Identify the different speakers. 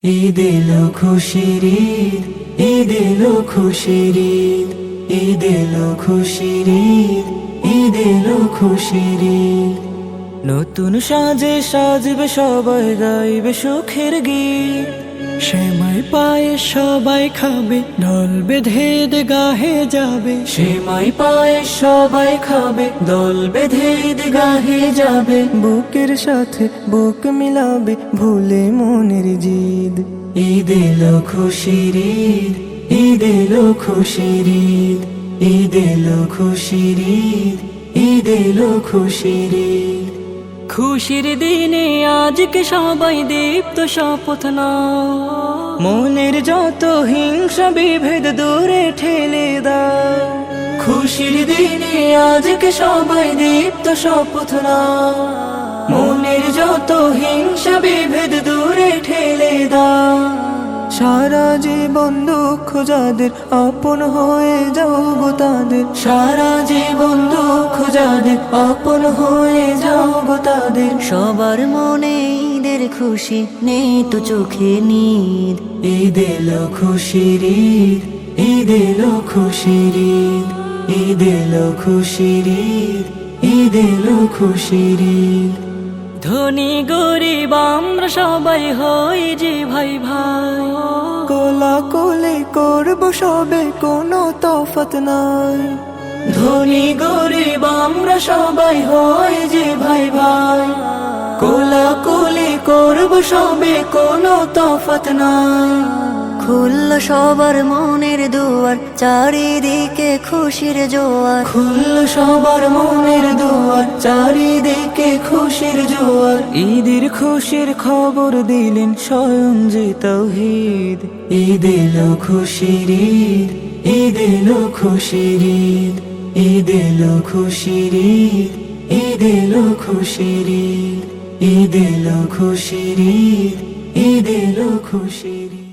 Speaker 1: ঈদ এলো খুশির ঈদ, ঈদ এলো খুশির ঈদ, ঈদ এলো খুশির ঈদ, ঈদ এলো খুশির ঈদ। নতুন সাজে সাজবে সবাই, গাইবে সুখের গীত।
Speaker 2: সেমাই পায়ে সবাই খাবে, ঢোল বেঁধে গাহে যাবে।
Speaker 1: সেমাই পায়ে সবাই খাবে, দল বেঁধে গাহে যাবে।
Speaker 2: বুকের সাথে বুক মিলাবে, ভুলে মনের জিদ।
Speaker 1: ঈদ এলো খুশির ঈদ, ঈদ এলো খুশির ঈদ, ঈদ এলো খুশির ঈদ, ঈদ এলো খুশির ঈদ।
Speaker 3: খুশির দিনে আজকে সবাই দীপ্ত শপথ নাও,
Speaker 1: মনের যত হিংসা বিভেদ দূরে ঠেলে দাও। খুশির দিনে আজকে সবাই দীপ্ত শপথ নাও, মনের যত হিংসা বিভেদ দূরে ঠেলে দাও।
Speaker 2: সারা জীবন দুঃখ যাদের, আপন হয়ে যাও গো তাদের।
Speaker 1: সারা জীবন দুঃখ যাদের, আপন হয়ে যাও গো তাদের।
Speaker 3: সবার মনে ঈদের খুশি, নেই তো চোখে নিদ।
Speaker 1: ঈদ এলো খুশির ঈদ, ঈদ এলো খুশির ঈদ, ঈদ এলো খুশির ঈদ, ঈদ এলো খুশির ঈদ।
Speaker 3: ধনী গরিব আমরা সবাই হই যে ভাই ভাই,
Speaker 2: কোলা কোলে করব সবে, কোনো তফাৎ নাই।
Speaker 1: ধনী গরিব আমরা সবাই হই যে ভাই ভাই, কোলাকুলি করব সবে, কোনো তফাৎ নাই।
Speaker 3: খুলল সবার মনের দুয়ার, চারিদিকে খুশির জোয়ার।
Speaker 1: খুলল সবার মনের দুয়ার, চারিদিকে খুশির জোয়ার।
Speaker 2: ঈদের খুশির খবর দিলেন স্বয়ং যে তাওহীদ।
Speaker 1: ঈদ এলো খুশির ঈদ, ঈদ এলো খুশির ঈদ, ঈদ এলো খুশির ঈদ, ঈদ এলো খুশির ঈদ, ঈদ এলো খুশির ঈদ, ঈদ এলো খুশির ঈদ।